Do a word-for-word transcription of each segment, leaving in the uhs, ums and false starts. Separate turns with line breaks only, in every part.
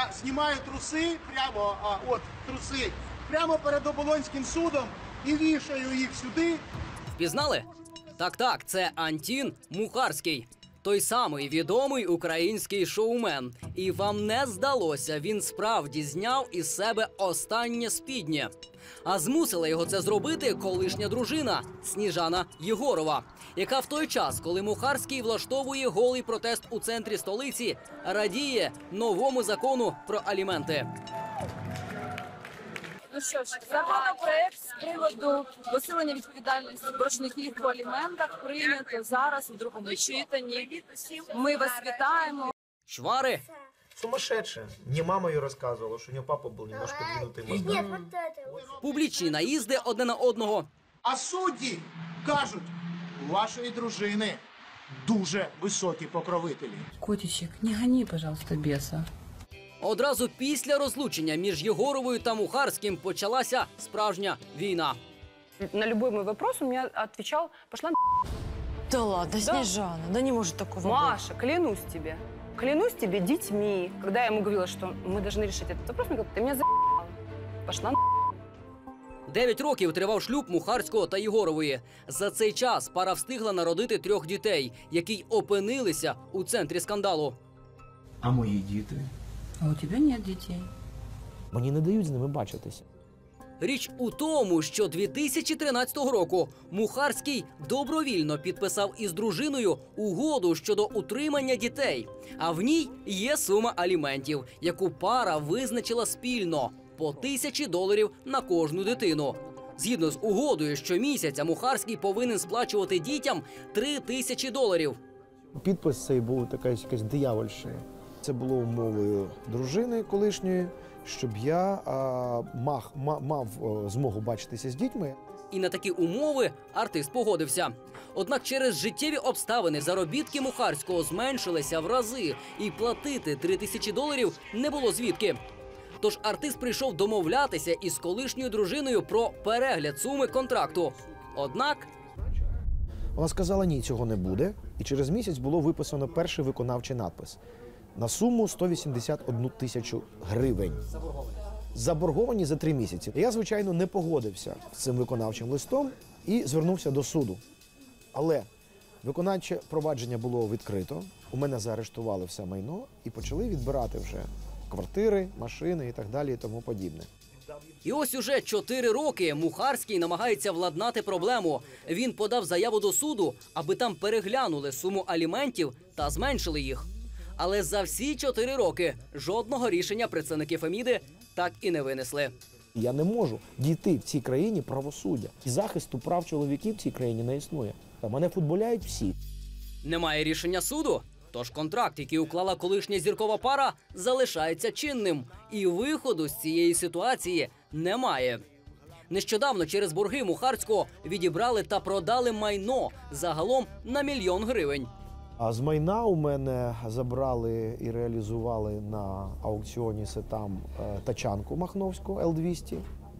Я знімаю труси, прямо, а, от труси, прямо перед Оболонським судом і вішаю їх сюди.
Впізнали? Так-так, це Антін Мухарський. Той самий відомий український шоумен. І вам не здалося, він справді зняв із себе останнє спіднє. А змусила його це зробити колишня дружина Сніжана Єгорова, яка в той час, коли Мухарський влаштовує голий протест у центрі столиці, радіє новому закону про аліменти.
Ну що ж, законопроект з приводу посилення відповідальності боржників по аліментах прийнято зараз у другому читанні. Ми вас вітаємо.
Чвари.
Сумасшедшая. Мне мама ее рассказывала, что у нее папа был немножко двинутый мозгом.
Нет, вот это.
Публічні наїзди одне на одного.
А судді кажуть, у вашої дружини дуже високі покровителі.
Котичек, не гони, пожалуйста, беса.
Одразу після розлучення між Єгоровою та Мухарським почалася справжня війна.
На любой мой вопрос он мне отвечал: пошла на...
Да ладно, Снежана, да не может такого
Маша, клянусь тебе. Клянусь тебе детьми. Когда я ему говорила, что мы должны решить этот вопрос, он говорит: ты меня за***ла. Пошла на...
Дев'ять років тривав шлюб Мухарського та Єгорової. За цей час пара встигла народити трьох дітей, які й опинилися у центрі скандалу.
А мої діти?
А у тебя нет детей.
Мені не дають з ними бачитися.
Річ у тому, що дві тисячі тринадцятого року Мухарський добровільно підписав із дружиною угоду щодо утримання дітей. А в ній є сума аліментів, яку пара визначила спільно – по тисячі доларів на кожну дитину. Згідно з угодою, щомісяця Мухарський повинен сплачувати дітям три тисячі доларів.
Підпис цей був якась, якась диявольщина. Це було умовою дружини колишньої, щоб я а, мав, мав, мав змогу бачитися з дітьми.
І на такі умови артист погодився. Однак через життєві обставини заробітки Мухарського зменшилися в рази, і платити три тисячі доларів не було звідки. Тож артист прийшов домовлятися із колишньою дружиною про перегляд суми контракту. Однак...
Вона сказала, ні, цього не буде. І через місяць було виписано перший виконавчий надпис на суму сто вісімдесят одну тисячу гривень. Заборговані за три місяці. Я, звичайно, не погодився з цим виконавчим листом і звернувся до суду. Але виконавче провадження було відкрито, у мене заарештували все майно і почали відбирати вже квартири, машини і так далі і тому подібне.
І ось уже чотири роки Мухарський намагається владнати проблему. Він подав заяву до суду, аби там переглянули суму аліментів та зменшили їх. Але за всі чотири роки жодного рішення представники Феміди так і не винесли.
Я не можу дійти в цій країні правосуддя. І захисту прав чоловіків в цій країні не існує. Та мене футболяють всі.
Немає рішення суду? Тож контракт, який уклала колишня зіркова пара, залишається чинним. І виходу з цієї ситуації немає. Нещодавно через борги Мухарського відібрали та продали майно загалом на мільйон гривень.
А з майна у мене забрали і реалізували на аукціоні Сетам тачанку махновську Ел двісті.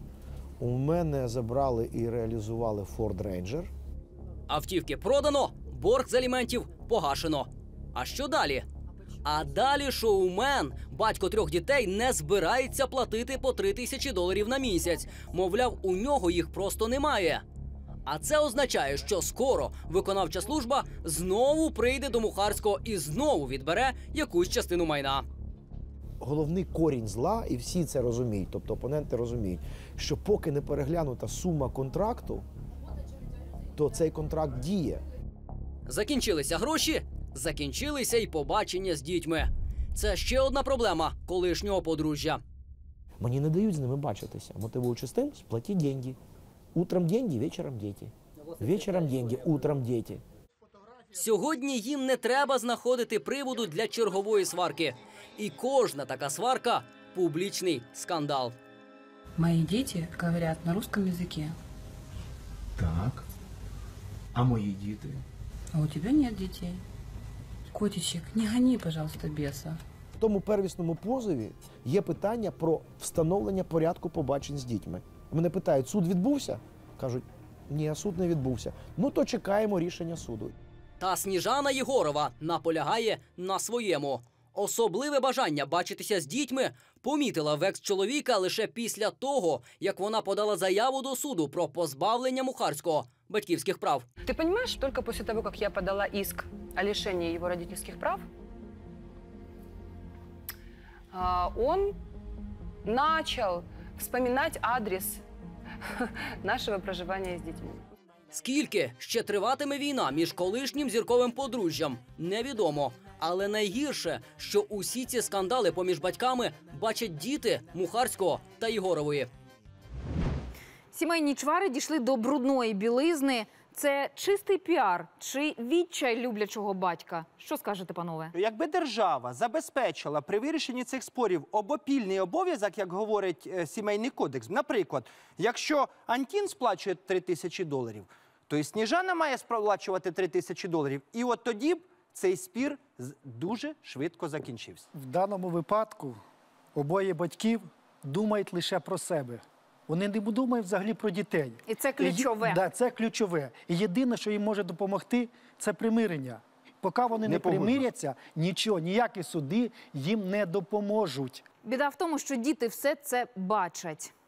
У мене забрали і реалізували Форд Рейнджер.
Автівки продано, борг з аліментів погашено. А що далі? А далі шоумен, батько трьох дітей, не збирається платити по три тисячі доларів на місяць. Мовляв, у нього їх просто немає. А це означає, що скоро виконавча служба знову прийде до Мухарського і знову відбере якусь частину майна.
Головний корінь зла, і всі це розуміють, тобто опоненти розуміють, що поки не переглянута сума контракту, то цей контракт діє.
Закінчилися гроші, закінчилися й побачення з дітьми. Це ще одна проблема колишнього подружжя.
Мені не дають з ними бачитися, мотивуючи з тим, сплатіть деньги. Утром деньги, вечором діти. Вечором деньги, утром діти.
Сьогодні їм не треба знаходити приводу для чергової сварки. І кожна така сварка – публічний скандал.
Мои дети говорят на русском языке.
Так. А мої діти?
А у тебя нет детей. Котичек, не гони, пожалуйста, беса.
В тому первісному позові є питання про встановлення порядку побачень з дітьми. Мене питають, суд відбувся? Кажуть, ні, суд не відбувся. Ну, то чекаємо рішення суду.
Та Сніжана Єгорова наполягає на своєму. Особливе бажання бачитися з дітьми помітила в екс-чоловіка лише після того, як вона подала заяву до суду про позбавлення Мухарського батьківських прав.
Ты понимаешь, только после того, как я подала иск о лишении его родительских прав, а, он начал вспоминать адрес нашего проживания с детьми.
Скільки ще триватиме війна між колишнім зірковим подружжям, невідомо. Але найгірше, що усі ці скандали поміж батьками бачать діти Мухарського та Єгорової.
Сімейні чвари дійшли до брудної білизни. Це чистий піар чи відчай люблячого батька? Що скажете, панове?
Якби держава забезпечила при вирішенні цих спорів обопільний обов'язок, як говорить е, сімейний кодекс, наприклад, якщо Антін сплачує три тисячі доларів, то і Сніжана має сплачувати три тисячі доларів. І от тоді б цей спір з- дуже швидко закінчився.
В даному випадку обоє батьків думають лише про себе. Вони не думають взагалі про дітей.
І це ключове.
І, да, це ключове. І єдине, що їм може допомогти, це примирення. Поки вони не,
Не погоджуюсь.
примиряться, нічого, ніякі суди їм не допоможуть.
Біда в тому, що діти все це бачать.